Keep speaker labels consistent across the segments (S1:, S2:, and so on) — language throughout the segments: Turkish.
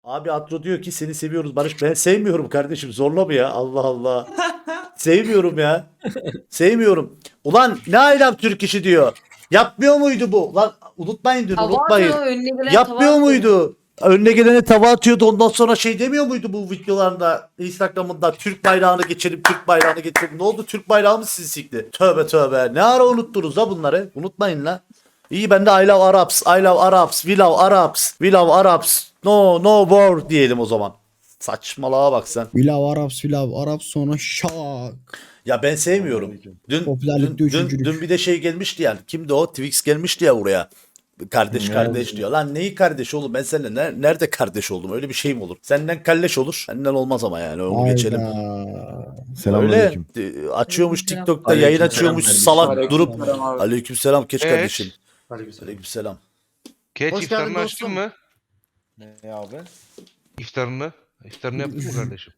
S1: Abi Atro diyor ki seni seviyoruz Barış. Ben sevmiyorum kardeşim. Zorlama ya. Allah Allah. Sevmiyorum ya. Sevmiyorum. Ulan ne aylak Türk işi diyor. Yapmıyor muydu bu? Lan unutmayın diyor.
S2: Tava
S1: Unutmayın.
S2: atıyor, önüne gelen
S1: Yapmıyor
S2: tava atıyor.
S1: muydu? Önüne gelene tava atıyordu. Ondan sonra şey demiyor muydu bu videolarında? Instagram'ında Türk bayrağını geçelim. Türk bayrağını geçelim. Ne oldu? Türk bayrağı mı sizi sikti? Tövbe tövbe. Ne ara unuttunuz la bunları? Unutmayın la. İyi ben de I love Arabs. I love Arabs. We love Arabs. We love Arabs. No no war diyelim o zaman. Saçmalığa bak sen.
S3: Arabs sonra şak.
S1: Ya ben sevmiyorum. Dün,
S3: Popülerlikte
S1: dün,
S3: üçüncülük.
S1: dün bir de şey gelmişti yani. Kimdi o? Twix gelmişti ya buraya. Kardeş kardeş diyor. Lan neyi kardeş oğlum? Ben seninle nerede kardeş oldum? Öyle bir şey mi olur? Senden kalleş olur. Senden olmaz ama yani. Onu geçelim. Öyle
S4: Selamünaleyküm.
S1: açıyormuş
S2: Aleykümselam.
S1: TikTok'ta yayın
S5: Aleykümselam
S1: açıyormuş
S5: kardeşim.
S1: salak durup.
S6: Aleykümselam abi.
S1: Aleykümselam keç
S6: Evet.
S1: kardeşim. Aleykümselam.
S6: Geç
S5: Hoş
S6: iftarını
S5: geldin
S6: açtın
S5: dostum.
S6: mı?
S4: Ne abi?
S6: İftarını. İftarını yaptın mı kardeşim?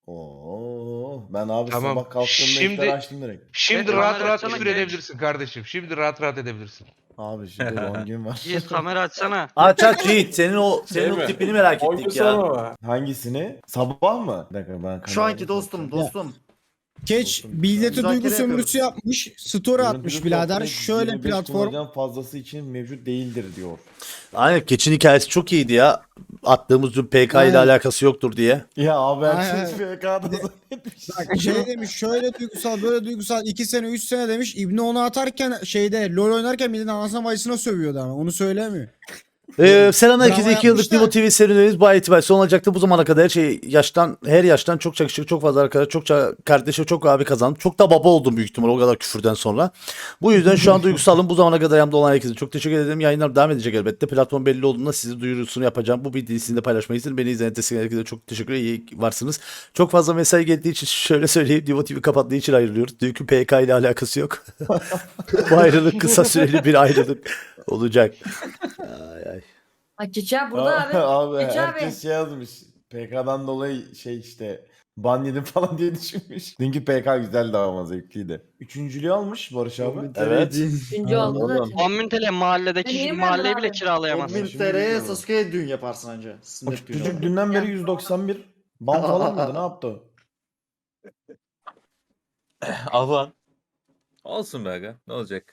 S4: Oo, ben abi
S6: Tamam.
S4: sabah kalktığımda
S6: Şimdi-
S4: iftar açtım direkt.
S6: Şimdi
S5: Evet,
S6: rahat
S5: kamera
S6: rahat
S5: açsana
S6: küfür
S5: genç.
S6: edebilirsin kardeşim. Şimdi rahat rahat edebilirsin.
S4: Abi şimdi 10 gün var.
S5: Yiğit kamera açsana.
S1: Aç aç Yiğit. Senin o tipini merak ettik ya.
S4: Hangisini? Sabah mı? Bir dakika ben
S7: Şu anki dostum.
S3: Keç billete
S7: Müzakere
S3: duygu sömürüsü yapmış. Story atmış birader. Şöyle platform.
S4: kullanacağım fazlası için mevcut değildir diyor.
S1: Aynen keçin hikayesi çok iyiydi ya. Attığımız dün PK ile
S3: Aynen.
S1: alakası yoktur diye.
S4: Ya abi
S3: Aynen.
S4: herkes FK'da zannetmiş.
S3: Bak şey demiş şöyle duygusal böyle duygusal 2 sene 3 sene demiş. İbni onu atarken şeyde LoL oynarken milletin anasına bacısına sövüyordu ama onu söylemiyor.
S1: Selam herkese.
S3: Bravo
S1: 2 yıllık
S3: yapmışlar.
S1: Nivo TV serüvenimiz bu ay itibariyle son olacaktı. Bu zamana kadar her yaştan çok kişi, çok fazla arkadaş, çokça kardeşi, çok abi kazandım. Çok da baba oldum büyük ihtimal o kadar küfürden sonra. Bu yüzden şu an duygusalım. Bu zamana kadar yanımda olan herkese çok teşekkür ederim. Yayınlar devam edecek elbette. Platform belli olduğunda sizi duyurusunu yapacağım. Bu bilgiyi sizinle paylaşmayı istedim. Beni izleyen destek herkese çok teşekkür ederim. İyi varsınız. Çok fazla mesai geldiği için şöyle söyleyeyim. Nivo TV kapattığı için ayrılıyoruz. Dünkü PK ile alakası yok. Bu ayrılık kısa süreli bir ayrılık olacak. Ay ay.
S2: Ay Çiçeği burada abi.
S4: Abi
S2: Geç
S4: herkes
S2: abi.
S4: şey yazmış. PK'dan dolayı şey işte ban yedim falan diye düşünmüş. Dünkü PK güzeldi ama zevkliydi. Üçüncülüğü almış Barış abi.
S1: Evet.
S2: Üçüncü oldu zaten.
S5: 10.000 TL mahalledeki
S2: Ben
S5: bir
S2: yiyemem
S5: mahalleyi
S2: abi.
S5: bile kiralayamazsın.
S7: 10.000 TL'ye Sasuke'ye düğün yaparsın anca. Sünnet düğünü.
S4: Çocuk dünden beri 191 ban falan mıydı ne yaptı o?
S8: Alan. Olsun be aga. Ne olacak?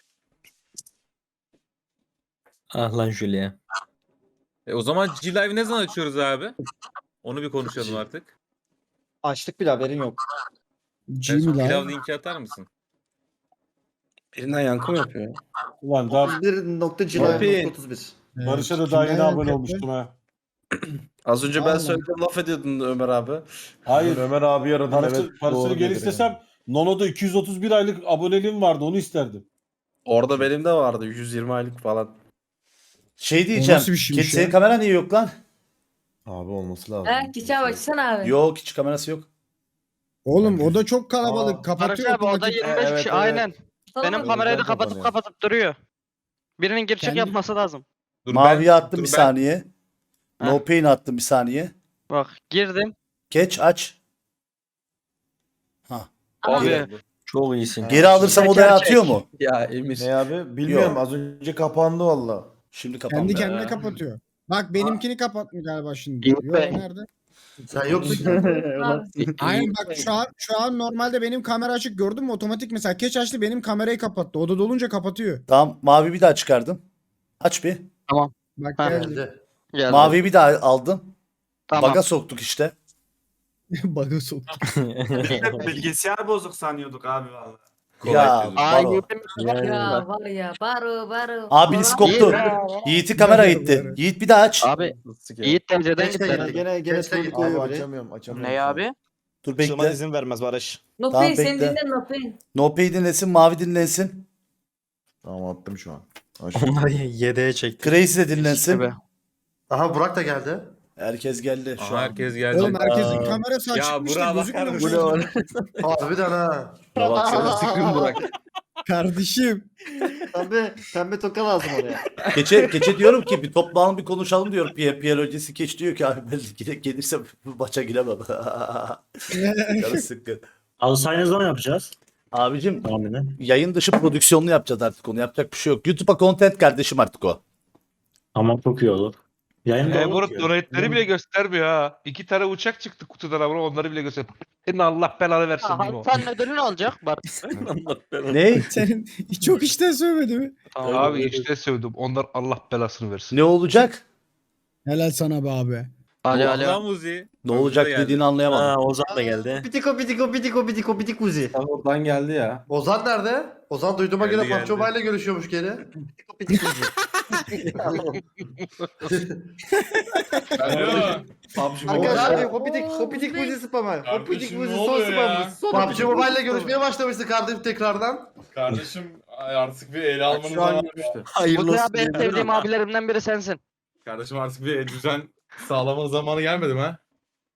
S9: Ah lan Julia.
S8: O zaman G-Live ne zaman açıyoruz abi? Onu bir konuşalım artık.
S7: Açtık bile haberin yok.
S8: En son
S3: Jimmy
S8: pilav
S3: lan.
S8: linki atar mısın?
S9: Birinden yankı mı yapıyor?
S10: Ulan daha
S7: 31.31.
S10: Barış'a da daha yeni
S3: Kimden
S10: abone
S3: yankı
S10: olmuştum ha.
S9: Az önce
S3: Aynen.
S9: ben söyledim laf ediyordun Ömer abi.
S10: Hayır.
S4: Ömer abi aradım.
S10: Parasını
S4: doğru
S10: geri
S4: dedi
S10: istesem Nono'da 231 aylık aboneliğim vardı onu isterdim.
S9: Orada benim de vardı 120 aylık falan.
S1: Şey diyeceğim.
S3: nasıl bir şeymiş
S1: Senin
S3: ya?
S1: kamera niye yok lan?
S4: Abi olması lazım.
S2: Ha Çiçeğe baksana abi.
S1: Yok hiç kamerası yok.
S3: Oğlum o da çok kalabalık.
S4: Aa,
S3: Kapatıyor
S5: Barış abi o da
S3: otomatik.
S5: 25
S4: Evet,
S5: kişi
S4: evet.
S5: aynen.
S2: Tamam
S5: Benim
S2: mı?
S5: kamerayı da
S4: Güzel
S5: kapatıp
S4: kapanıyor.
S5: kapatıp duruyor. Birinin gir çık
S3: Kendi-
S5: yapması lazım.
S8: Dur
S1: Maviye attım
S8: dur
S1: bir saniye.
S5: Ha.
S1: No pain attım bir saniye.
S5: Bak girdim.
S1: Geç aç.
S5: Abi
S9: Çok iyisin.
S1: Geri alırsam
S5: Teker
S1: odaya
S5: çek.
S1: atıyor mu?
S9: Ya Emir.
S4: Ne abi? Bilmiyorum
S1: Yok.
S4: az önce kapandı valla.
S1: Şimdi kapandı.
S3: Kendi kendine kapatıyor. Bak benimkini kapatmıyor galiba şimdi.
S9: Yok
S3: Yo,
S9: be.
S3: nerede?
S7: Sen yoksun.
S2: Abi.
S3: Aynen bak şu an normalde benim kamera açık gördün mü otomatik mesela keç açtı benim kamerayı kapattı. Oda dolunca kapatıyor.
S1: Tamam mavi bir daha çıkardım. Aç bir.
S3: Bak
S5: Ha.
S3: geldi.
S5: geldi.
S1: Maviyi bir daha aldım.
S5: Tamam.
S1: Baga soktuk işte.
S3: Bug'ı soktu.
S11: Bilgisayar bozuk sanıyorduk abi valla.
S1: Ya
S8: çözüm.
S5: Aa
S1: Baro.
S5: yedim.
S2: Ya var ya baro.
S1: Abiniz koptu. Yiğit'in kamera gitti. Yiğit bir daha aç.
S5: Abi Yiğit TC'den
S7: Geç
S5: gitti.
S7: geldi. Gene trollük
S4: Abi
S7: koyuyor buraya.
S4: açamıyorum.
S9: Ne abi?
S1: Dur bekle.
S10: izin vermez Barış.
S2: No
S1: Tamam,
S2: pain sen
S1: bekle.
S2: dinle no pain.
S1: No pay dinlesin. Mavi dinlensin.
S4: Tamam attım şu an.
S9: Onları yedeğe çekti.
S1: Crazy de dinlensin.
S5: İşte be.
S7: Aha Burak da geldi.
S1: Herkes geldi şu
S8: Aha,
S1: an.
S8: herkes geldi.
S3: Oğlum herkesin
S1: Aa.
S3: kamerası
S8: Ya
S3: açıkmış da
S8: Burak'a
S3: gözükmüyor.
S8: bakar
S3: şu
S8: mısın?
S3: an.
S7: Harbiden ha.
S9: Baksana sıkın bırak.
S3: Kardeşim.
S7: Pembe toka lazım oraya.
S1: Geçe diyorum ki bir toplanalım bir konuşalım diyor. Pierre öncesi geç diyor ki abi ben gelirsem bu maça giremem. Canı sıkkın.
S9: Alsay ne zaman yapacağız?
S1: Abicim
S9: Tahmini.
S1: yayın dışı prodüksiyonunu yapacağız artık onu. Yapacak bir şey yok. YouTube'a content kardeşim artık o.
S9: Ama çok iyi olur. Yayında olur
S6: Moruk
S9: ki.
S6: donate'leri bile göstermiyor ha. 2 tane uçak çıktı kutudan ama onları bile göster. Senin Allah belanı versin
S5: Ya,
S6: Nimo.
S5: Hasan ödülü ne olacak? Bak.
S8: Allah belanı.
S1: Ne?
S3: Senin çok işten söylemedi mi?
S6: Abi işte sövdüm. Onlar Allah belasını versin.
S1: Ne olacak?
S3: Helal sana be abi.
S8: Allah müziği.
S1: Ne olacak
S8: geldi.
S1: dediğini anlayamadım.
S9: Ha Ozan da geldi.
S7: Pitiko pitiko pitiko pitiko pitik uzi.
S9: Oradan geldi ya.
S7: Ozan nerede? Ozan duyduğuma
S8: Geldi,
S7: göre
S8: geldi.
S7: PUBG Mobile ile görüşüyormuş geri. Pitiko pitik uzi.
S10: Alo.
S7: Arkadaşlar hopitik uzi spamı. Hopitik
S10: Kardeşim,
S7: uzi
S10: ne
S7: son
S10: oluyor ya?
S7: spamı. PUBG Mobile ile görüşmeye başlamıştı kardeşim tekrardan.
S10: Kardeşim artık bir ele almanız
S7: Şu an
S10: zamanı.
S7: görüştü.
S5: Bu da en sevdiğim abilerimden biri sensin.
S10: Kardeşim artık bir düzen sağlama zamanı gelmedi mi ha?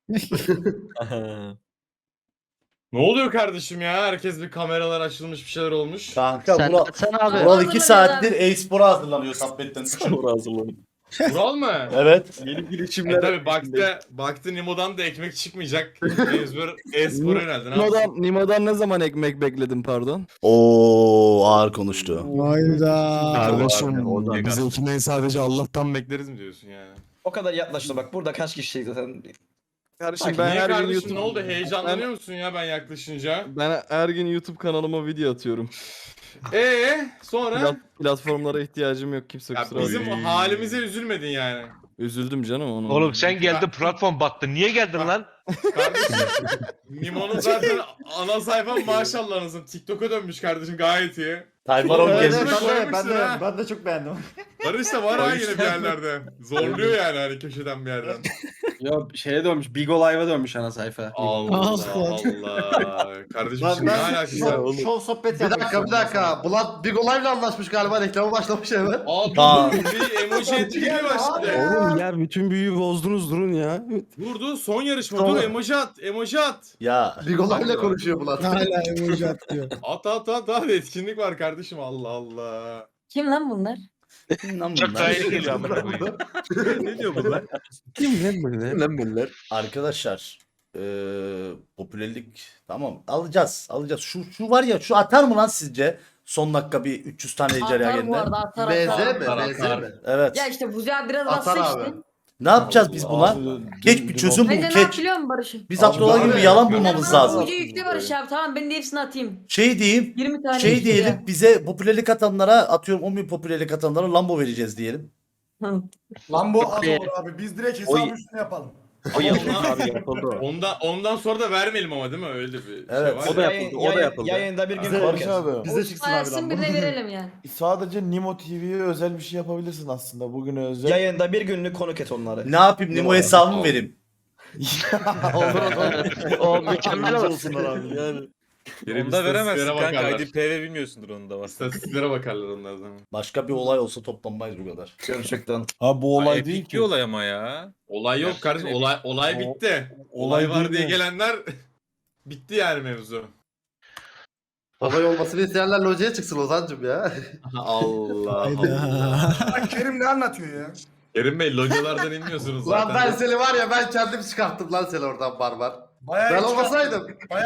S10: Ne oluyor kardeşim ya? Herkes bir kameralar açılmış bir şeyler olmuş.
S1: Kanka
S5: Sen,
S1: Vural,
S5: sen abi.
S1: Vural 2 saattir e-spora hazırlanıyor tabletten.
S10: Vural mı?
S1: Evet.
S9: Yeni
S10: E
S9: girişimler.
S10: tabi baktı Nimo'dan da ekmek çıkmayacak. Mecbur e-spora yöneldi. Ne yapsın?
S9: Nimo'dan ne zaman ekmek bekledin pardon?
S1: Oo ağır konuştu.
S3: Hayda.
S10: Kardeşim,
S9: bizimkinden sadece
S10: Allah'tan bekleriz mi diyorsun yani?
S9: O kadar yaklaştı bak burada kaç kişi zaten. Kardeşim
S10: Bak, niye kardeşim ne oldu? Heyecanlanıyor musun ya ben yaklaşınca?
S9: Ben her gün YouTube kanalıma video atıyorum.
S10: Sonra?
S9: Platformlara ihtiyacım yok kimse
S10: Ya bizim halimize üzülmedin yani.
S9: Üzüldüm canım onun.
S6: Oğlum sen geldin platform battı. Niye geldin lan?
S10: Kardeşim Nimo'nun zaten ana sayfam maşallahınızın TikTok'a dönmüş kardeşim gayet iyi.
S1: Tayfaron
S10: Evet,
S1: gezmiş.
S7: Ben de çok beğendim.
S10: Barış da var ha yine bir yerlerde. Zorluyor yani hani köşeden bir yerden.
S9: Ya şeye dönmüş. Bigo Live'a dönmüş ana sayfa.
S10: Allah Allah. Kardeşim şimdi ne alakası var?
S7: Şov sohbet Bir dakika. Blood Big Olive'la anlaşmış galiba reklamı başlamış hemen.
S10: Aa dur bir emoji etkiliği başladı.
S9: Oğlum ya bütün büyüyü bozdunuz durun ya.
S10: Dur son yarışma dur emoji at.
S1: Ya
S7: Big Olive'la konuşuyor Blood.
S3: Hala emoji atıyor.
S10: At etkinlik var kardeşim Allah Allah.
S2: Kim lan bunlar?
S6: Çok daha iyi geliyor amına koyayım.
S10: Ne diyor bunlar?
S9: Kim lan bunlar?
S1: arkadaşlar popülerlik tamam alacağız. Şu var ya şu atar mı lan sizce? Son dakika bir 300 tane icra
S2: Atar bu
S1: geldi.
S2: arada atar
S7: BZ
S2: atar.
S7: mi? BZ mi?
S1: Evet.
S2: Ya işte Buzi abi biraz
S7: Atar
S2: bassa
S7: abi.
S2: işte.
S1: Ne yapacağız biz buna? Geç bir çözüm bul
S2: Bence ne
S1: geç.
S2: yapıyor musun Barış'ım?
S1: Biz Abdullah gibi bir yalan bulmamız lazım.
S2: Buzi yükle Barış abi tamam ben de hepsini atayım.
S1: Şey diyeyim.
S2: 20 tane
S1: Şey
S2: yükle
S1: diyelim
S2: ya.
S1: bize popülerlik atanlara atıyorum 10.000 popülerlik atanlara Lambo vereceğiz diyelim.
S5: Lambo az olur
S7: abi. Biz direkt
S9: hesabı
S7: üstüne yapalım.
S10: Ondan sonra da vermeyelim ama değil mi öyle bir
S1: Evet.
S10: şey var.
S9: yapıldı. O da yapıldı.
S3: Yayında bir gün
S4: Barış abi.
S7: Bize çıksın abi
S2: Varsın
S7: lan.
S2: birine verelim yani.
S4: Sadece Nimo TV'ye özel bir şey yapabilirsin aslında. Bugüne özel.
S9: Yayında bir günlük konuk et onları.
S1: Ne yapayım Nemo hesabımı vereyim.
S5: O mükemmel olur.
S8: Onu da veremezsin kanka.
S10: bakarlar.
S8: IDPV bilmiyorsundur onu da var.
S10: İstatistiklere bakarlar onlar zaman.
S1: Başka bir olay olsa toplanmayız bu kadar.
S9: Gerçekten.
S10: Ha bu
S8: Olay değil ki. Olay ama ya.
S10: Olay yok kardeşim. Olay bitti. Olay var diye gelenler bitti yani mevzu.
S7: Olay olmasını isteyenler locaya çıksın Ozan'cım ya.
S10: Allah
S3: Hayda.
S11: Kerim ne anlatıyor ya?
S10: Kerim Bey localardan inmiyorsunuz
S7: Lan
S10: zaten.
S7: ben seni var ya ben kendim çıkarttım lan seni oradan barbar. Ben olmasaydım.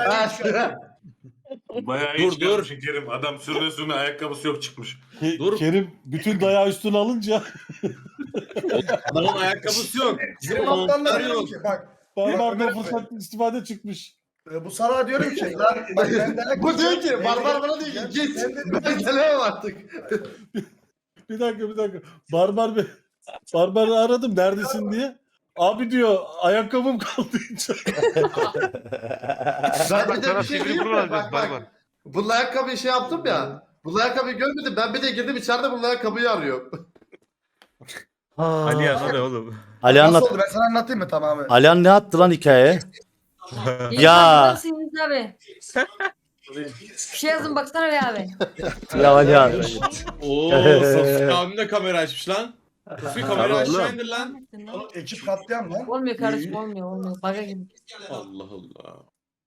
S11: Bayağı
S10: Dur.
S11: Kerim. Adam sürüne ayakkabısı yok çıkmış.
S10: Dur.
S3: Kerim bütün dayağı üstüne alınca
S10: Adamın ayakkabısı yok. Bizim montlar yok.
S11: Bak.
S3: barbarda fırsat istifade çıkmış.
S11: Bu sana diyorum ki lan
S7: Bu diyor ki barbar bana diyor ki git. Ben gelemem artık.
S3: Bir dakika. Barbarı aradım neredesin diye. Abi diyor ayakkabım kaldı.
S7: Ben bir de
S6: Sana
S7: bir şey
S6: sivri
S7: diyeyim
S6: burun
S7: mi?
S6: alacağız
S7: Bak
S6: barbar.
S7: bak. Bunun ayakkabıyı şey yaptım ya. Bunun ayakkabıyı görmedim. Ben bir de girdim içeride bunun ayakkabıyı arıyorum.
S8: Alihan o ne oğlum?
S1: Ali anlat.
S11: Ben sana anlatayım mı tamamen?
S1: Alihan ne attı lan hikaye?
S2: İyi
S1: Ya.
S2: bakmışsınız abi. Bir şey yazın baksana be abi.
S1: Ya Alihan.
S10: Oo Sasuke abim de kamera açmış lan. Sasuke kamerayı aşağı indir lan.
S11: Ekip katliam lan.
S2: Olmuyor kardeşim olmuyor. Baga gibi.
S10: Allah Allah.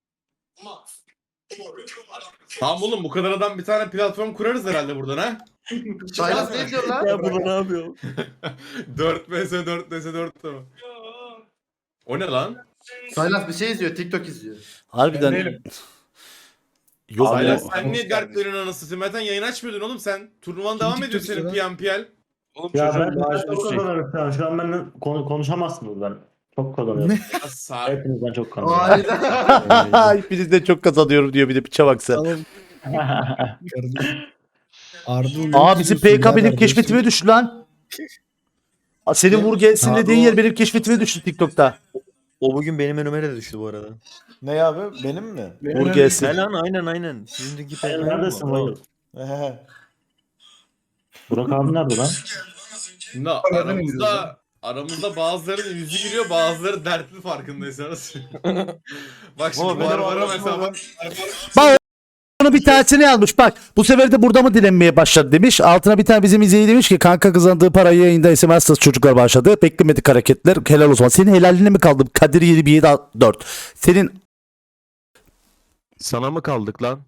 S10: Tamam oğlum bu kadar adam bir tane platform kurarız herhalde buradan ha.
S7: Saylas ne diyor lan?
S9: burada ne yapıyor?
S10: 4 vs 4 vs 4 tamam. O ne lan?
S7: Saylas bir şey izliyor. TikTok izliyor.
S1: Harbiden. Yok
S10: Saylas
S1: mu?
S10: sen niye dertlerin anasını satayım? Zaten yayın açmıyordun oğlum sen. Turnuvan devam ediyor senin PMPL.
S6: Oğlum
S11: Ya
S6: çocuğun
S11: ben
S6: maaşı
S11: çok
S6: düşecek.
S11: kazanıyorum şu an. Şu an benimle konuşamazsınız ben. Çok kazanıyorum. Hepinizden çok kazanıyorum.
S7: Hayda.
S1: Hepinizden çok kazanıyorum diyor bir de piçe bak sen.
S3: Tamam kardeşim. Ardu
S1: Aa bizim PK benim keşfetime düştü lan. Aa, senin vur gelsin dediğin yer benim keşfetime düştü TikTok'ta.
S9: O bugün benim önüme de düştü bu arada.
S4: Ne abi? Benim mi?
S1: Vur gelsin.
S9: Aynen. Sizinki
S11: Sen neredesin Vayıl?
S4: Ehe.
S11: Burak abi nerede lan?
S10: Şimdi aramızda bazılarının yüzü gülüyor, bazıları dertli farkındaysanız. Bak şimdi
S4: Ama benim
S10: Barbara
S4: anlatmadım.
S10: mesela
S1: Bunu bir tanesini yazmış bak. Bu sefer de burada mı dilenmeye başladı demiş. Altına bir tane bizim izleyici demiş ki kanka kazandığı parayı yayında SMS çocuklar başladı. Beklemedik hareketler. Helal olsun. Senin helaline mi kaldı? Kadir 7-1-7-4. Senin
S6: Sana mı kaldık lan?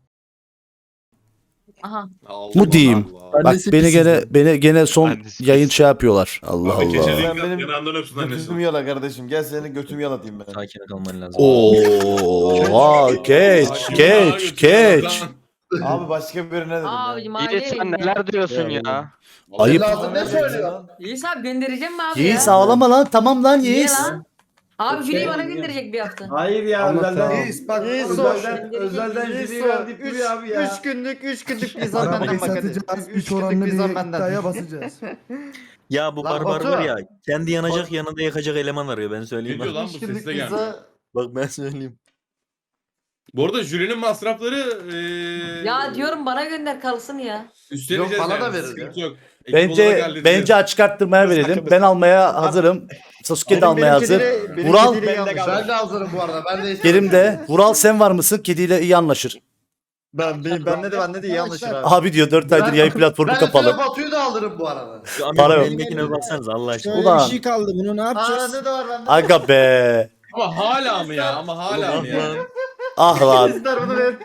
S2: Aha.
S1: mu diyeyim?
S10: Allah.
S1: Bak beni gene son
S6: Annesi
S1: yayın şey yapıyorlar. Allah
S10: Abi
S1: Allah.
S10: keçeli
S4: Sen benim
S10: yanağından öpsün annesi.
S4: Götümü yala kardeşim. Gel seni götümü yalatayım ben.
S9: Sakin kalman lazım.
S1: Oo, geç.
S4: Abi başka birine dedim. ya.
S2: Abicim
S5: Yiğit
S2: aileyim
S5: sen
S2: ya.
S5: neler diyorsun ya?
S1: Ayıp.
S7: Lazım ne söylüyor?
S2: Yiğit abi göndereceğim mi abi
S1: Yiğiz
S2: ya?
S1: ağlama lan. Tamam lan
S2: Niye
S1: Yiğiz.
S2: lan? Abi Fileyi bana gönderecek bir hafta.
S11: Hayır ya özelden.
S7: Bak
S2: özelden
S7: Fileyi verdik duruyor abi ya.
S9: 3 günlük pizza benden bak hadi. 3 günlük pizza benden.
S7: basacağız.
S9: Ya bu
S7: Lan
S9: barbar
S7: Batu.
S9: var ya. Kendi yanacak yanında yakacak eleman arıyor ben
S10: Ne
S9: söyleyeyim.
S10: diyor lan bu sesle gelmiş.
S9: Bak ben söyleyeyim.
S10: Bu arada jürinin masrafları
S2: Ya diyorum bana gönder kalsın ya.
S10: üstleneceğiz
S7: Yok, bana
S10: yani.
S7: da verir
S10: Sıkıntı yok. Ekip olarak
S1: Bence
S10: halledeceğiz.
S1: açık arttırmaya verelim. Ben almaya hazırım. Sasuke de almaya hazır. Vural
S7: Ben de hazırım bu arada. Ben de
S1: Kerim de. Vural sen var mısın? Kediyle iyi anlaşır.
S9: Bende de iyi anlaşır abi.
S1: Abi diyor 4 aydır yayın platformu
S7: Ben de
S1: kapalı.
S7: Batu'yu da alırım bu arada.
S9: Şu
S1: Para
S9: Amerika'nın
S1: yok.
S9: elindekine baksanıza Allah aşkına.
S3: Şöyle
S1: Ulan.
S3: bir şey kaldı. Bunu ne yapacağız?
S7: Ne de var bende.
S1: Aga be.
S10: Ama hala mı ya? Ama hala mı ya?
S1: Ah lan.
S7: İster bunu ver.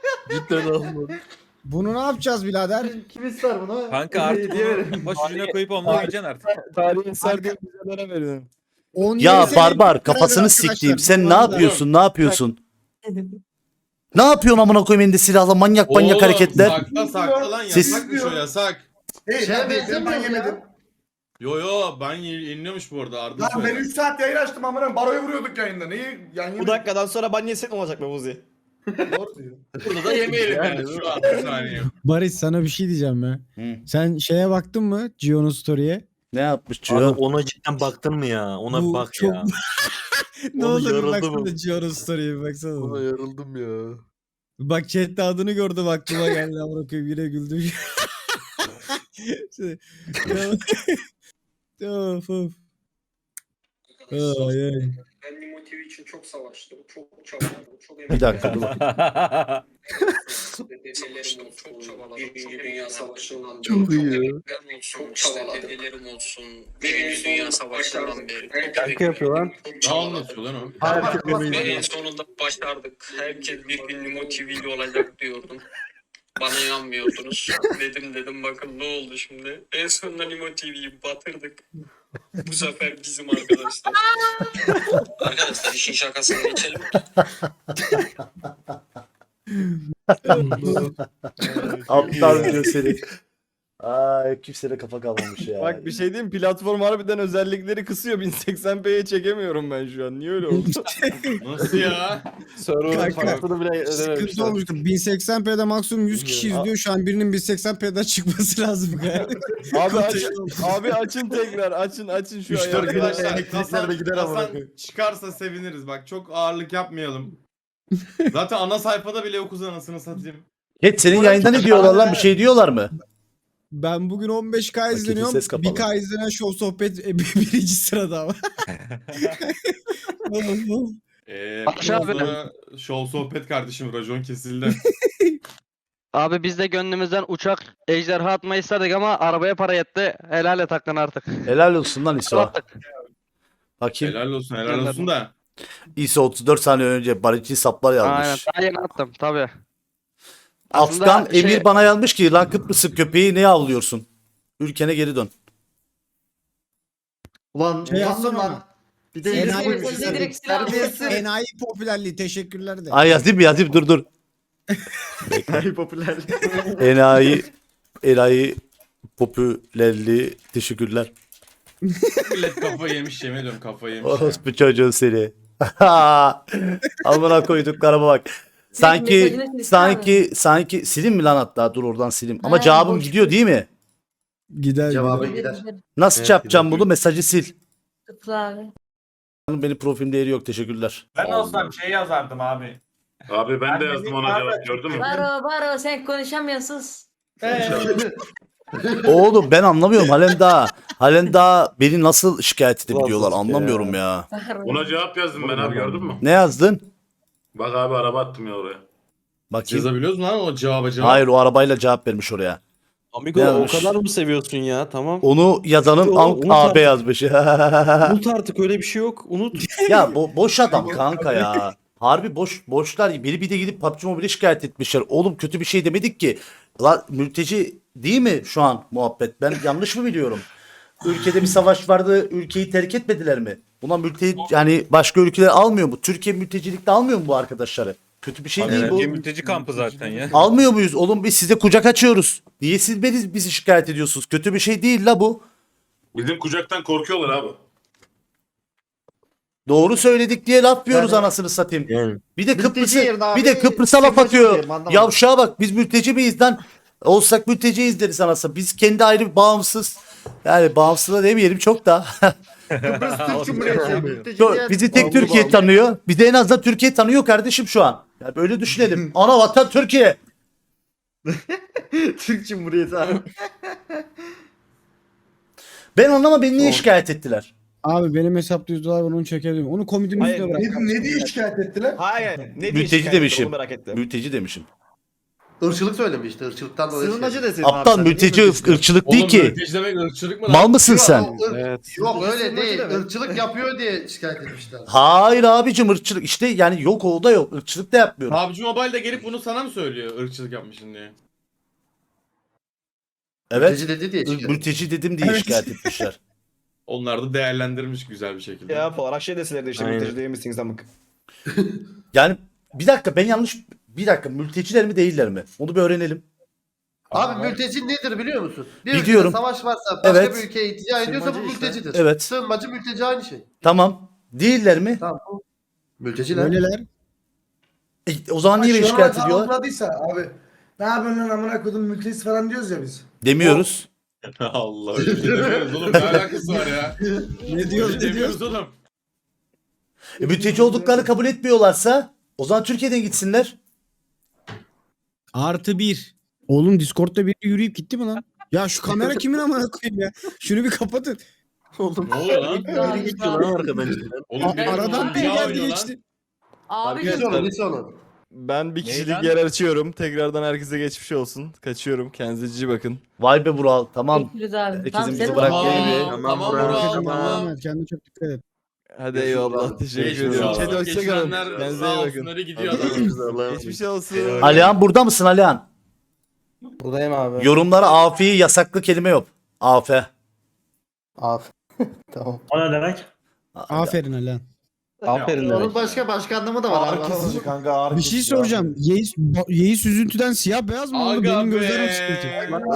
S3: Bunu ne yapacağız birader?
S7: Kim ister bunu?
S8: Kanka artık bunu baş ucuna koyup onunla gideceksin artık.
S11: Tarihin serdiği güzellere veriyorum.
S3: 17
S1: Ya
S3: sene
S1: barbar
S3: beraber
S1: kafasını
S3: arkadaşlar.
S1: siktiğim. Sen ne
S3: Vallahi.
S1: yapıyorsun? Ne yapıyorsun? Ne yapıyorsun amına koyayım elinde silahla manyak
S10: Oğlum,
S1: hareketler.
S10: Sakla lan
S1: Siz-
S10: yasakmış o yasak.
S7: Şeye benzemiyor ya.
S10: Yo ben yeniliyormuş bu arada Arda söyledi.
S11: 3 saat yayın açtım amına baroya vuruyorduk yayında. Neyi yani
S9: Bu dakikadan sonra ban yesek mi olacak be Muzi?
S10: Burada da yemeyelim yani şu an bir saniye.
S3: Barış sana bir şey diyeceğim ya.
S1: Hı.
S3: Sen şeye baktın mı? Gio'nun story'e.
S1: Ne yapmış
S9: Abi
S1: Cio?
S9: ona cidden baktın mı ya? Ona
S3: Bu
S9: bak
S3: çok-
S9: ya.
S3: Ne
S9: Oğlum
S3: olur bir
S9: yoruldu
S3: baksana
S9: bu.
S3: Gio'nun story'e bir baksana.
S6: yarıldım ya.
S3: Bak chatte adını gördüm aklıma geldi amına koyayım yine güldüm. Şey, of of. Ay ay.
S11: Ben Nimo TV için çok savaştım. Çok çabaladım. Çok
S1: Bir dakika dur.
S11: Dedelerim olsun. Çok çabaladım. Birinci Dünya Savaşı'ndan beri.
S6: Çok iyi ya.
S11: Çok çabaladım. Dedelerim olsun. Birinci Dünya Savaşı'ndan beri.
S10: Şarkı yapıyor lan. Ne anlatıyor lan o?
S11: En sonunda başardık. Herkes bir gün Nimo TV'li olacak diyordum. Bana inanmıyordunuz. Dedim bakın ne oldu şimdi. En sonunda Nimo TV'yi batırdık. Bu sefer bizim arkadaşlar. Arkadaşlar işin şakasını geçelim.
S1: Aptal diyor seni. Ay kimseye kafa kalmamış ya.
S9: Bak bir şey diyeyim platform harbiden özellikleri kısıyor. 1080p'ye çekemiyorum ben şu an. Niye öyle oldu?
S10: Nasıl ya?
S9: Server'ın
S3: Kanka,
S9: parasını bile
S3: Sıkıntı
S9: ödememişler.
S3: olmuştu. 1080p'de maksimum 100 kişi izliyor. Şu an birinin 1080p'den çıkması lazım yani.
S9: Abi açın tekrar. Açın şu
S4: 3-4 gün
S10: Arkadaşlar
S4: elektriklerde gider ama.
S10: Hasan çıkarsa seviniriz. Bak çok ağırlık yapmayalım. Zaten ana sayfada bile yokuz anasını satayım.
S1: Geç senin yayında ne diyorlar lan? Bir şey diyorlar mı?
S3: Ben bugün 15K
S1: Paketin
S3: izleniyorum.
S1: ses kapalı.
S3: 1K izlenen show sohbet birinci sırada ama.
S5: Barış abi.
S10: Show sohbet kardeşim racon kesildi.
S5: Abi biz de gönlümüzden uçak ejderha atmayı istedik ama arabaya para yetti. Helal et hakkını artık.
S1: Helal olsun lan İso.
S5: Attık.
S1: Bakayım.
S10: helal olsun da.
S1: İso 34 saniye önce barışçı saplar
S5: Aynen
S1: yazmış.
S5: daha yeni attım tabi.
S1: Afgan
S5: Aslında
S1: Emir bana yazmış ki lan Kıbrıs'ın köpeği ne avlıyorsun? Ülkene geri dön.
S7: Ulan
S3: Şey yapsana lan.
S7: Bir de
S3: Enayi,
S2: Bize direkt silah alıyorsun.
S3: enayi popülerliği teşekkürler de.
S1: Ay yazayım dur.
S9: Popüler.
S1: Enayi popülerliği. Teşekkürler.
S10: Millet kafayı yemiş yemin ediyorum kafayı yemiş. ya.
S1: Orospu çocuğu seni. Amına koyduklarıma bak. Sanki sileyim mi lan hatta? Dur oradan sileyim. Ama
S2: Ha,
S1: cevabım
S2: boş.
S1: gidiyor değil mi?
S3: Gider
S7: Cevabı
S3: gider.
S7: gider.
S1: Nasıl
S6: Evet,
S1: yapacağım
S6: gidiyor.
S1: bunu? Mesajı sil.
S2: Tıkla abi.
S1: Benim profilim değeri yok. Teşekkürler.
S10: Ben olsam şey yazardım abi.
S11: Abi ben de yazdım ona cevap gördün mü?
S2: Baro sen konuşamıyorsun.
S1: Oğlum ben anlamıyorum. Halen daha beni nasıl şikayet edebiliyorlar anlamıyorum ya.
S11: Ona cevap yazdım ben abi gördün mü?
S1: Ne yazdın?
S11: Bak abi araba attım ya oraya.
S1: Bakayım.
S10: Yazabiliyoruz mu lan o cevap?
S1: Hayır o arabayla cevap vermiş oraya.
S9: Amigo
S1: Ne yazmış?
S9: o kadar mı seviyorsun ya? Tamam.
S1: Onu yazanın
S9: Unut
S1: AB
S9: artık.
S1: yazmış.
S9: Unut artık öyle bir şey yok. Unut.
S1: Ya boş adam kanka ya. Harbi boşlar. Biri bir de gidip PUBG Mobile'e şikayet etmişler. Oğlum kötü bir şey demedik ki. Lan mülteci değil mi şu an muhabbet? Ben yanlış mı biliyorum? Ülkede bir savaş vardı. Ülkeyi terk etmediler mi? Buna mülteci yani başka ülkeler almıyor mu? Türkiye mültecilikte almıyor mu bu arkadaşları? Kötü bir şey değil bu.
S8: Mülteci kampı zaten ya.
S1: Almıyor muyuz? Oğlum biz size kucak açıyoruz. Niye siz bizi şikayet ediyorsunuz? Kötü bir şey değil la bu.
S11: Bizim kucaktan korkuyorlar abi.
S1: Doğru söyledik diye laf yiyoruz anasını satayım.
S9: Yani.
S1: Bir de Kıbrıs'ı
S3: yerine abi,
S1: bir de Kıbrıs'a laf
S3: sığınmacı
S1: atıyor.
S3: diyelim, anlamadım.
S1: Yavşağa bak biz mülteci miyiz lan? Olsak mülteciyiz deriz anasını. Biz kendi ayrı bağımsız yani bağımsız da demeyelim çok da.
S3: Kıbrıs Türk Cumhuriyeti.
S1: Bizi tek Türkiye tanıyor. Bir de en azından Türkiye tanıyor kardeşim şu an. Ya böyle düşünelim. Ana vatan Türkiye.
S3: Türk Cumhuriyeti abi.
S1: Ben anlama beni niye şikayet ettiler?
S3: Abi benim hesapta $100 var onu çekelim. Onu komodinin üstüne bırak.
S7: Ne diye şikayet ettiler?
S9: Hayır. Ne
S1: Mülteci demişim.
S9: merak ettim.
S1: Mülteci demişim.
S7: Irkçılık söylemiş işte. Irkçılıktan dolayı.
S3: Sığınmacı desin
S1: Aptal mülteci ırkçılık değil ki.
S10: Mülteci demek ırkçılık mı lan?
S1: Mal mısın sen?
S9: Evet.
S7: Yok öyle değil. Irkçılık yapıyor diye şikayet etmişler.
S1: Hayır abicim ırkçılık işte yani yok o da yok. Irkçılık da yapmıyorum.
S10: PUBG Mobile de gelip bunu sana mı söylüyor ırkçılık yapmışsın diye?
S1: Evet.
S7: Mülteci dedi diye şikayet.
S1: Mülteci dedim diye şikayet etmişler.
S10: Onlar da değerlendirmiş güzel bir şekilde.
S9: Ya olarak şey deseler de işte
S8: Aynen.
S9: mülteci değil misiniz amık?
S1: Yani bir dakika ben yanlış bir dakika mülteciler mi değiller mi? Onu bir öğrenelim.
S7: Abi mülteci nedir biliyor musun? Bir ülkede
S1: Biliyorum.
S7: savaş varsa başka
S1: Evet.
S7: bir ülkeye iltica ediyorsa bu mültecidir.
S1: Evet.
S7: Sığınmacı mülteci aynı şey.
S1: Tamam. Değiller mi?
S7: Tamam. Mülteciler.
S3: Öyleler.
S1: O zaman niye beni şikayet ediyorlar?
S7: Anladıysa abi. Ne yapıyorsun lan amına kodum mülteci falan diyoruz ya biz.
S1: Demiyoruz.
S10: Allah öyle bir şey demiyoruz oğlum ne alakası var ya?
S3: Ne diyoruz
S10: Öyle demiyoruz oğlum.
S1: Mülteci olduklarını kabul etmiyorlarsa o zaman Türkiye'den gitsinler.
S3: +1. Oğlum Discord'da biri yürüyüp gitti mi lan? Ya şu kamera kimin amına koyayım ya? Şunu bir kapatın.
S10: Ne oluyor lan? Oğlum
S3: Aradan biri geldi geçti.
S2: Abi
S7: Hiç onun hiç onun.
S9: Ben bir kişilik yer açıyorum. Tekrardan herkese geçmiş olsun. Kaçıyorum. Kendinize cici bakın.
S1: Vay be Vural tamam.
S2: Bekliyoruz abi.
S1: Herkesin
S2: Tamam,
S1: bizi
S2: sen
S1: bırak
S2: bak.
S1: diye
S10: Tamam Vural tamam.
S3: Kendine çok dikkat et.
S9: Hadi eyvallah. Teşekkür
S10: Geçmiş
S9: ediyorum.
S10: olsun.
S9: Hadi hoşçakalın.
S10: Geçirenler
S9: Kendinize
S10: sağ
S9: iyi bakın.
S10: olsunları gidiyor adam.
S9: Geçmiş olsun.
S1: Alihan burada mısın Alihan?
S3: Buradayım abi.
S1: Yorumlara afiyi yasaklı kelime yok. Afe.
S3: Tamam.
S7: O ne demek?
S3: Aferin Alan.
S9: Aferin
S7: Onun başka anlamı da var.
S4: Ağır kesici kanka ağır
S3: Bir şey
S4: kesici
S3: soracağım. Yeis üzüntüden siyah beyaz mı oldu?
S10: Aga
S3: Benim
S10: be.
S3: gözlerim sıkıntı.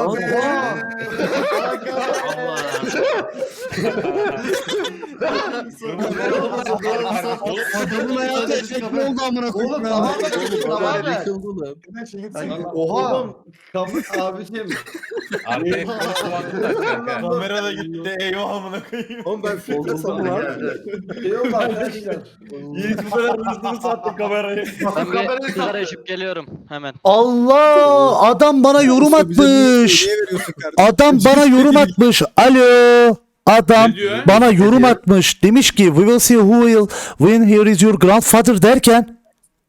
S3: Adamın hayatı efekli oldu amına koyayım.
S7: Oğlum
S3: ya.
S7: tamam da Oha. Abicim.
S8: Arkaya kulaklık tak kanka.
S4: Kamera da gitti eyvah amına koyayım.
S7: Oğlum ben filtre sandım abi. Şey oldu arkadaşlar.
S9: Yiğit bu kadar hızlı sattı kamerayı.
S5: Ben bir sigara içip geliyorum hemen.
S1: Allah adam bana yorum
S3: Usta bize bir
S1: atmış.
S3: hediye veriyorsun kardeşim.
S1: Adam bana yorum atmış. Alo. Adam
S10: Ne diyor?
S1: bana yorum atmış. Demiş ki we will see who will win here is your grandfather derken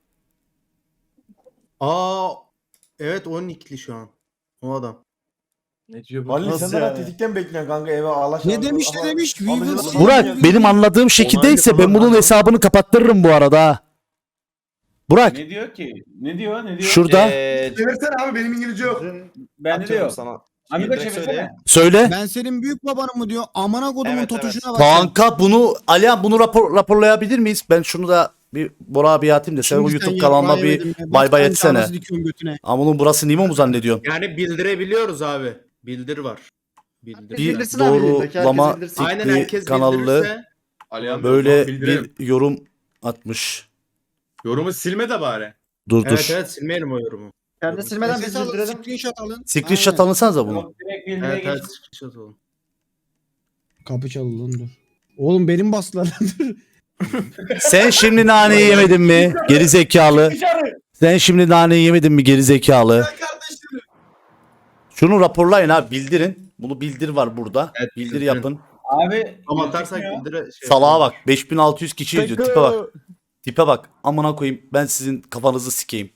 S3: Evet 12'li şu an. O adam.
S10: Ne diyor bu?
S4: Ali sen daha tetikten bekliyorsun kanka eve ağlaş.
S3: Ne demiş ne demiş? We will see.
S1: Burak benim anladığım şekildeyse ben bunun hesabını kapattırırım bu arada. ha. Burak
S10: Ne diyor ki? Ne diyor?
S1: şurada
S7: Çevirsene abi benim İngilizce yok.
S9: Ben diyorum sana.
S10: Amigo
S9: Direkt
S10: çevirsene.
S1: söyle.
S3: Ben senin büyük babanım mı diyor. Amına kodumun
S9: Evet,
S3: totuşuna bak.
S1: Kanka bunu Alihan bunu raporlayabilir miyiz? Ben şunu da bir Bora abi atayım da sen o YouTube kanalına bir bay bay etsene. Ama bunun burası Nimo mu zannediyorsun?
S12: Yani bildirebiliyoruz abi. Bildir var.
S8: Bildir.
S1: Bir
S2: Bildirsin abi, elindeki
S1: doğrulama
S2: herkes bildirsin.
S10: Aynen
S1: fikri
S10: herkes
S1: kanallı
S10: bildirirse. Alihan Bey, o
S1: böyle
S10: zaman bildirelim.
S1: bir yorum atmış.
S10: Yorumu silme de bari.
S1: Dur
S9: Evet
S1: dur.
S9: evet silmeyelim o yorumu.
S2: Kendi silmeden biz
S3: Ses alın,
S2: bildirelim.
S3: screenshot alın.
S1: Screenshot
S3: Aynen.
S1: alınsanıza bunu.
S9: Evet evet screenshot olun.
S3: Kapı çaldı lan dur. Oğlum benim bastılar lan dur.
S1: Sen şimdi naneyi yemedin mi? Geri zekalı. Sen şimdi naneyi yemedin mi geri zekalı? Şunu raporlayın abi, bildirin. Bunu bildir var burada.
S9: Evet,
S1: Bildir
S9: bildirin.
S1: yapın.
S2: Abi
S10: Ama atarsak bildire şey.
S1: Salağa bak. 5600 kişi izliyor. Tipe bak. Tipe bak. Amına koyayım. Ben sizin kafanızı sikeyim.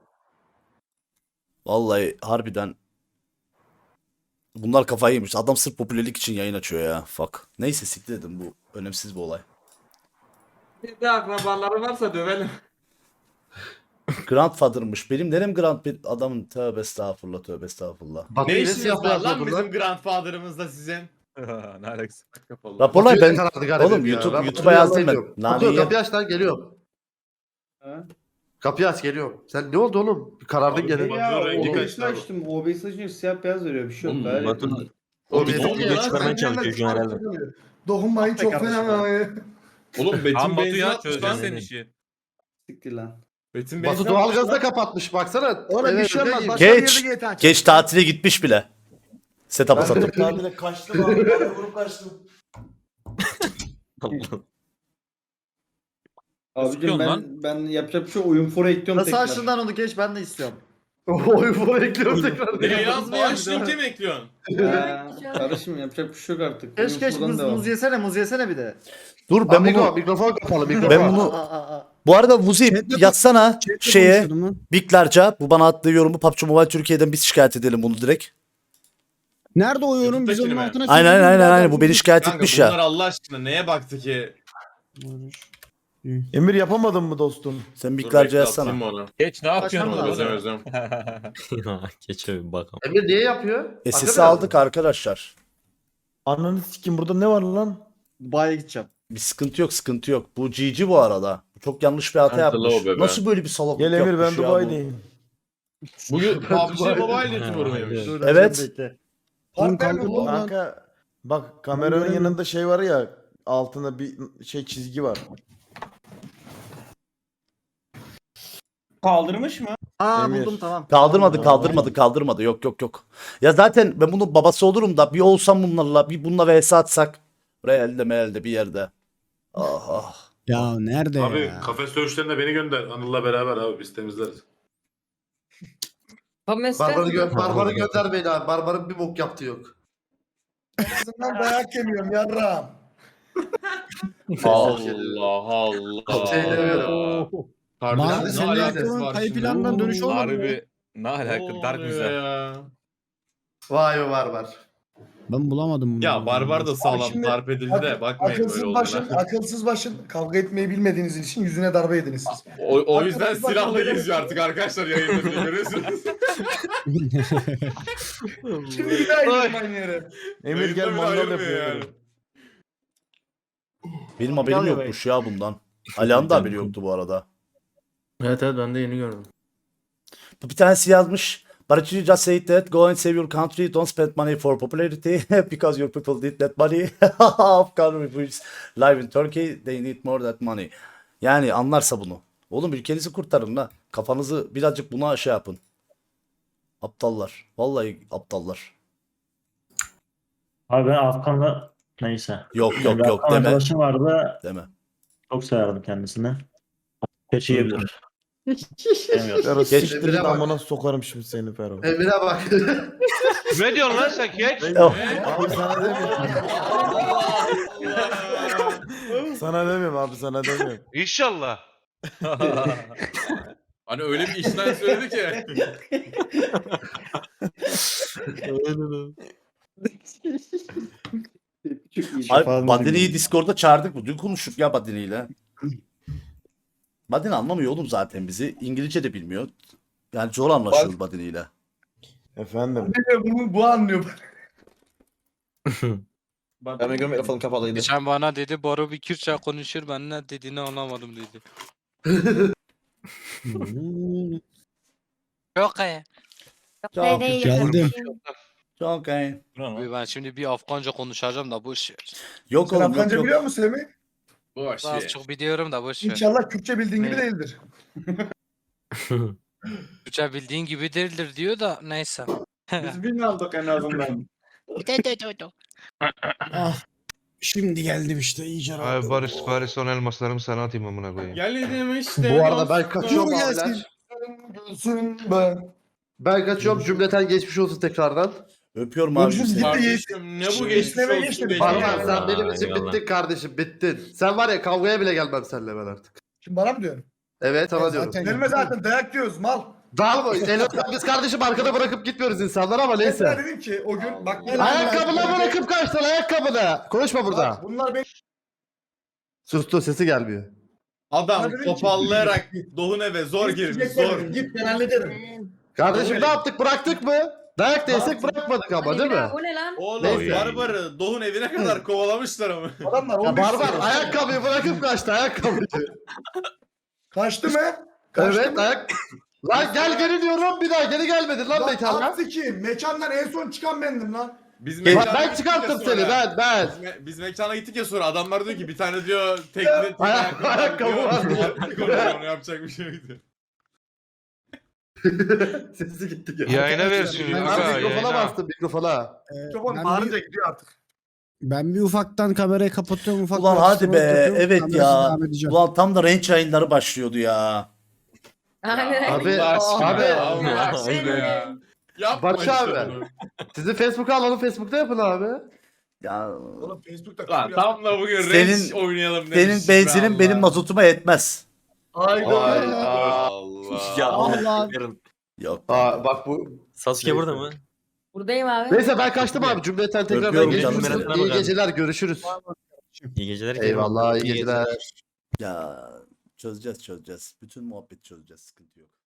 S1: Vallahi harbiden. Bunlar kafayı yemiş. Adam sırf popülerlik için yayın açıyor ya. Fuck. Neyse siktir dedim, bu önemsiz bir olay.
S10: Bir de akrabaları varsa dövelim.
S1: Grandfather'mış. Benim nerem grand bir adamın, tövbe estağfurullah, tövbe estağfurullah.
S7: Batı
S10: Ne
S7: ile
S10: işiniz
S7: siyah
S10: var
S7: beyaz
S10: lan
S7: burada.
S10: bizim grandfather'ımızda sizin?
S8: Ne alakası?
S1: Raporlay ben.
S7: Karardı galiba
S1: Oğlum
S7: ya.
S1: YouTube'a
S7: Ben
S1: yazdım ben.
S7: geliyorum.
S1: Naneyi
S7: Kapıyı,
S1: yem.
S7: kapıyı aç lan, geliyorum. Kapıyı aç, geliyorum. Sen ne oldu oğlum? Bir karardın gene.
S10: OBS'i
S2: açtım. OBS açınca siyah beyaz veriyor. Bir şey yok.
S8: Batın
S7: O
S10: bizim
S7: bizim
S10: video
S8: çıkarmaya çalışıyor şu an herhalde.
S2: Dokunmayın çok fena.
S10: Oğlum Betin
S8: Tam Batu
S10: benzin
S8: ya,
S10: atmış
S8: çözeceğim
S10: lan.
S8: senin işi.
S2: Siktir lan.
S10: Betin
S7: Batu
S10: benzin
S7: doğalgazı
S10: atmış
S7: da
S10: lan.
S7: kapatmış, baksana.
S2: Oğlum bir şey olmaz.
S7: Geç.
S2: Başka bir
S1: Geç.
S2: yerde GTA
S1: Geç tatile gitmiş bile. Setup'ı satıp.
S4: Tatile kaçtım abi. Ben vurup kaçtım.
S8: Sıkıyorsun lan.
S2: ben yapacak bir şey oyun fora ekliyorum
S12: Nasıl
S2: tekrar.
S12: açtın lan onu geç ben de istiyorum.
S7: Oy bu ekliyorum tekrar.
S10: Ne yaz bağış linki mi ekliyorsun?
S2: Kardeşim yapacak bir şey yok artık.
S12: Geç geç muz yesene bir de.
S1: Dur ben
S7: Amigo,
S1: bunu.
S7: mikrofon kapalı, mikrofon.
S1: Ben bunu. Bu arada Vuzi
S3: Chatle-
S1: yazsana
S3: Chatle
S1: şeye.
S3: konuşuyordum lan.
S1: Biglarca bu bana attığı yorumu PUBG Mobile Türkiye'den biz şikayet edelim bunu direkt.
S3: Nerede o yorum? Biz
S10: YouTube'dakini
S3: onun
S10: mi?
S3: altına
S1: Aynen
S3: çizelim,
S1: aynen
S3: birader.
S1: aynen, bu beni şikayet
S10: Kanka
S1: etmiş
S10: bunlar
S1: ya.
S10: Allah aşkına neye baktı ki?
S4: Emir yapamadın mı dostum?
S1: Sen
S10: Dur,
S1: Biglarca
S10: bekle,
S1: yazsana.
S10: atayım onu.
S8: Geç ne yapıyorsun
S12: Açmam
S8: orada?
S12: lazım.
S10: Özlem.
S8: Geç abi bakalım.
S7: Emir niye yapıyor?
S1: SS'i
S7: Hakikaten
S1: aldık arkadaşlar.
S4: Ananı sikim, burada ne var lan?
S12: Dubai'ye gideceğim.
S1: Bir sıkıntı yok, sıkıntı yok. Bu GG bu arada. Bu çok yanlış bir hata
S10: Kanka,
S1: yapmış.
S10: low bebe.
S1: Nasıl böyle bir salaklık
S4: Gel Emir, ben
S1: yapmış ya bu?
S4: Dubai'deyim.
S10: Bugün PUBG Mobile YouTuber mıymış?
S12: Dur,
S1: Evet.
S12: bekle.
S3: Oğlum kalkın lan.
S4: Kanka bak, kameranın yanında şey var ya, altında bir şey çizgi var.
S2: Kaldırmış mı?
S12: Aa
S4: Emir.
S12: buldum tamam.
S1: Kaldırmadı. Yok. Ya zaten ben bunun babası olurum da bir olsam bunlarla, bir bununla vs atsak. Realde meelde bir yerde. Ah.
S3: Ya nerede ya?
S6: kafes dövüşlerine beni gönder. Anıl'la beraber abi biz temizleriz.
S7: Barbar'ı gönder beni abi. Barbar'ın bir bok yaptığı yok.
S2: Dayak yemiyorum yarram.
S10: Allah Allah.
S7: Şey demiyorum.
S3: Bana
S10: Harbiden ne
S3: senin
S10: alakası
S3: yaptığın
S10: var
S3: kayıp
S10: şimdi?
S3: plandan dönüş olmadı mı?
S8: Harbi ne
S10: Ne
S8: alaka, dark
S10: oluyor
S8: güzel.
S10: ya?
S7: Vay be Barbar.
S3: Ben bulamadım bunu.
S10: Ya Barbar da sağlam darp edildi de bakmayın böyle olduğuna.
S2: Akılsız başın kavga etmeyi bilmediğiniz için yüzüne darbe yediniz siz.
S10: O yüzden silahla geziyor artık arkadaşlar yayında diye görüyorsunuz.
S2: Şimdi bir daha gidelim aynı yere.
S4: Emir
S10: Yayında
S4: gel
S10: bile
S4: mandal
S10: ayırmıyor
S4: yapıyor.
S10: yani.
S1: Benim haberim yokmuş ya bundan. Alihan da haberi yoktu bu arada.
S9: Evet evet ben de yeni gördüm.
S1: Bir tanesi yazmış. But you just say that go and save your country, don't spend money for popularity because your people need that money. Afghan refugees live in Turkey, they need more that money. Yani anlarsa bunu. Oğlum ülkenizi kurtarın la. Kafanızı birazcık buna şey yapın. Aptallar. Vallahi aptallar.
S13: Abi ben Afgan'la neyse.
S1: Yok
S13: Afgan
S1: deme.
S13: arkadaşım vardı.
S1: Deme.
S13: Çok severdim kendisini. Keçi yiyebilir. Demiyorum.
S4: Fero
S1: Geç.
S4: siktir
S7: Emir'e
S4: git,
S7: bak.
S4: amına sokarım şimdi seni Fero.
S7: Emir'e bak.
S6: Ne diyorsun lan sen geç?
S1: Oh.
S4: Abi sana demiyorum. Sana demiyorum abi, sana demiyorum.
S6: İnşallah.
S10: Hani öyle bir işten söyledi ki.
S1: Abi Badeni'yi Discord'da çağırdık mı? Dün konuştuk ya Badeni'yle. Badeni anlamıyor oğlum zaten bizi. İngilizce de bilmiyor. Yani zor anlaşıyoruz Badeni'yle.
S4: Efendim.
S2: Bu anlıyor.
S9: Ben mikrofon kapalıydı.
S5: Geçen bana dedi Boru bir Kürtçe konuşur, ben ne dediğini anlamadım dedi. Yok ya.
S3: Geldim.
S1: Çok iyi.
S13: Ben şimdi bir Afganca konuşacağım da boş ver.
S1: Yok oğlum yok yok.
S10: musun Semih?
S8: Boş
S13: Az çok biliyorum da boş ver.
S10: İnşallah Kürtçe bildiğin
S5: gibi
S10: değildir.
S13: Türkçe bildiğin gibi değildir diyor da neyse.
S10: Biz bin aldık en azından.
S3: Ah. Şimdi geldim işte iyice
S6: Ay
S3: rahatladım.
S6: Barış son elmaslarımı sana atayım amına koyayım.
S10: Geldim işte.
S7: Bu arada ben kaçıyorum
S3: Dur
S7: abiler.
S3: gelsin.
S10: Gülsün ben.
S7: Ben kaçıyorum cümleten geçmiş olsun tekrardan.
S1: Öpüyorum abi seni.
S10: Kardeşim ne bu geçmiş olsun.
S7: Barbar sen benim için bittin kardeşim bittin. Sen var ya kavgaya bile gelmem seninle ben artık.
S10: Şimdi bana mı diyorsun?
S7: Evet sana diyorum.
S3: Zaten
S10: zaten dayak yiyoruz mal.
S7: Dağılma. Biz kardeşim arkada bırakıp gitmiyoruz insanlar ama neyse.
S10: dedim ki o gün bak
S7: Ayakkabına bırakıp kaçtın ayakkabına. Konuşma burada.
S10: bunlar benim
S7: Sustu sesi gelmiyor.
S10: adam topallayarak Doğun eve zor girmiş zor. Git ben hallederim.
S7: Kardeşim ne yaptık bıraktık mı? Dayak da yesek bırakmadık ama değil mi?
S2: O ne lan?
S10: Oğlum
S7: Neyse.
S10: Barbar'ı Doğun evine kadar kovalamışlar ama. Adamlar
S7: Ya barbar ayakkabıyı bırakıp kaçtı ayakkabıyı.
S10: Kaçtı mı?
S7: Evet ayak... Lan gel geri diyorum bir daha geri gelmedin lan mekana.
S10: ki mekandan en son çıkan bendim lan. Biz
S7: Ben çıkarttım seni ben.
S10: Biz mekana gittik ya sonra adamlar diyor ki bir tane diyor tekne
S7: ayakkabı var.
S10: Onu yapacak bir şey yok diyor.
S7: Sesi gitti.
S6: Yayına versin
S7: Ben
S6: Yuka,
S7: mikrofona
S6: yayına.
S7: bastım mikrofona.
S10: Gidiyor artık.
S3: Ben bir ufaktan kamerayı kapatıyorum ufaktan.
S1: Ulan hadi be
S3: kapatıyorum,
S1: evet
S3: kamerası
S1: ya.
S3: devam edeceğim.
S1: Ulan tam da range yayınları başlıyordu ya.
S2: Aynen.
S7: Abi
S10: ya. Yapma
S7: Barış
S10: işte
S7: abi.
S10: bunu.
S7: Sizin Facebook'u alalım Facebook'ta yapın abi.
S1: Ya
S10: Oğlum Facebook'ta
S8: Lan tam da bugün
S1: Senin-
S8: Range oynayalım demiş.
S1: senin benzinin
S8: be
S1: benim
S8: Allah.
S1: mazotuma yetmez.
S10: Allah.
S3: Allah.
S1: Yok.
S7: Aa bak bu.
S8: Sasuke burada mı?
S2: Buradayım abi.
S7: Neyse ben kaçtım abi. Cümleten tekrardan
S1: Öpüyorum
S7: geçmiş
S1: canım
S7: olsun.
S8: seni.
S7: İyi geceler görüşürüz.
S8: İyi geceler.
S7: Eyvallah iyi geceler.
S1: Ya çözeceğiz. Bütün muhabbeti çözeceğiz. Sıkıntı yok.